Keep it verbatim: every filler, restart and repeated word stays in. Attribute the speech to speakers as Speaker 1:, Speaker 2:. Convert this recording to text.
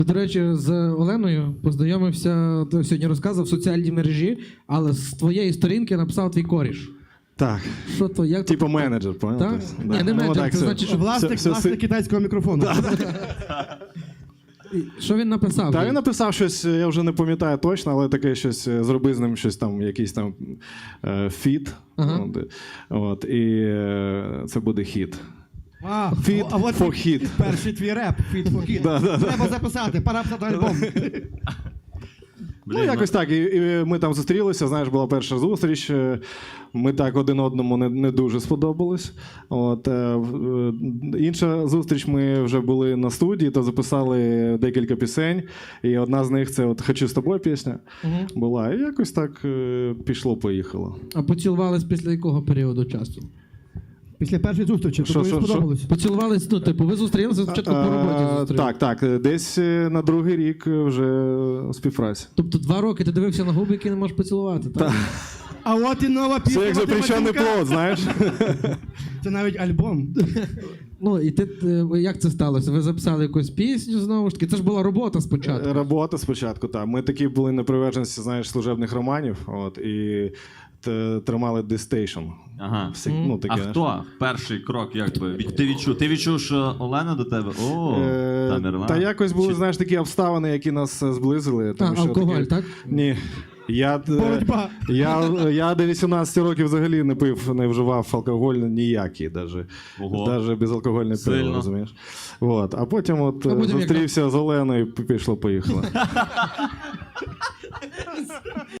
Speaker 1: До речі, з Оленою познайомився, ти сьогодні розказував, в соціальній мережі, але з твоєї сторінки написав твій коріш.
Speaker 2: Так.
Speaker 1: Що то, як
Speaker 2: Типу
Speaker 1: то?
Speaker 2: менеджер, понял?
Speaker 1: Так?
Speaker 2: Тобто,
Speaker 1: Ні, не
Speaker 2: Ну,
Speaker 1: менеджер,
Speaker 2: так,
Speaker 1: це
Speaker 2: все.
Speaker 1: значить, що...
Speaker 3: Власник,
Speaker 2: все-
Speaker 3: власник
Speaker 2: все-
Speaker 3: китайського мікрофону.
Speaker 1: Що він написав?
Speaker 2: Та він написав щось, я вже не пам'ятаю точно, але таке щось, е, зроби з ним щось там, якийсь там е, фіт.
Speaker 1: Ага.
Speaker 2: От, от, і е, це буде хіт.
Speaker 3: А,
Speaker 2: Fit
Speaker 3: а от
Speaker 2: for
Speaker 3: і-
Speaker 2: hit.
Speaker 3: Перший твій реп, Fit for hit.
Speaker 2: Да, да, да.
Speaker 3: Треба записати, пора писати альбом.
Speaker 2: Ну, якось так. І, і ми там зустрілися, знаєш, була перша зустріч. е, Ми так один одному не, не дуже сподобались. От, е, в- е, інша зустріч, ми вже були на студії, то записали декілька пісень. І одна з них це от «Хочу з тобою» пісня
Speaker 1: Мгм.
Speaker 2: була. І якось так е, пішло-поїхало.
Speaker 1: А поцілувались після якого періоду часу?
Speaker 3: Після першої зустрічі,
Speaker 2: Що,
Speaker 3: тобі
Speaker 2: що, що?
Speaker 3: сподобалось.
Speaker 1: Поцілувались, ну, типу, ви зустрілися спочатку по роботі
Speaker 2: А,
Speaker 1: зустрілися.
Speaker 2: Так, так. Десь е, на другий рік вже співпраця.
Speaker 1: Тобто два роки ти дивився на губи, які не можеш поцілувати, так?
Speaker 3: А от і нова пісня.
Speaker 2: Це як
Speaker 3: Вадима
Speaker 2: запрещений
Speaker 3: Дзюнька.
Speaker 2: плод, знаєш?
Speaker 3: Це навіть альбом.
Speaker 1: Ну, і ти, е, як це сталося? Ви записали якусь пісню знову ж таки? Це ж була робота спочатку.
Speaker 2: Робота спочатку, так. Ми такі були на приверженці, знаєш, служебних романів, от, і т- тримали дистейшн.
Speaker 4: Ага.
Speaker 2: Всі,
Speaker 1: Мгм.
Speaker 2: ну, таке,
Speaker 4: А
Speaker 2: знаєш.
Speaker 4: хто перший крок, якби? Від- Ти відчув? Ти відчув, що Олена до тебе? О,
Speaker 2: Е,
Speaker 4: Тамерлан.
Speaker 2: Та якось були,
Speaker 4: Чи-
Speaker 2: знаєш, такі обставини, які нас е, зблизили.
Speaker 1: А,
Speaker 2: Тому що
Speaker 1: алкоголь,
Speaker 2: таке-
Speaker 1: так?
Speaker 2: Ні. Я, е,
Speaker 3: Боротьба.
Speaker 2: я, я до вісімнадцяти років взагалі не пив, не вживав алкоголь ніякий, даже,
Speaker 4: Ого.
Speaker 2: даже безалкогольне пиво,
Speaker 4: Сильно.
Speaker 2: розумієш? От. А потім от
Speaker 1: А
Speaker 2: е,
Speaker 1: потім як-
Speaker 2: зустрівся з Оленою і пішло-поїхало.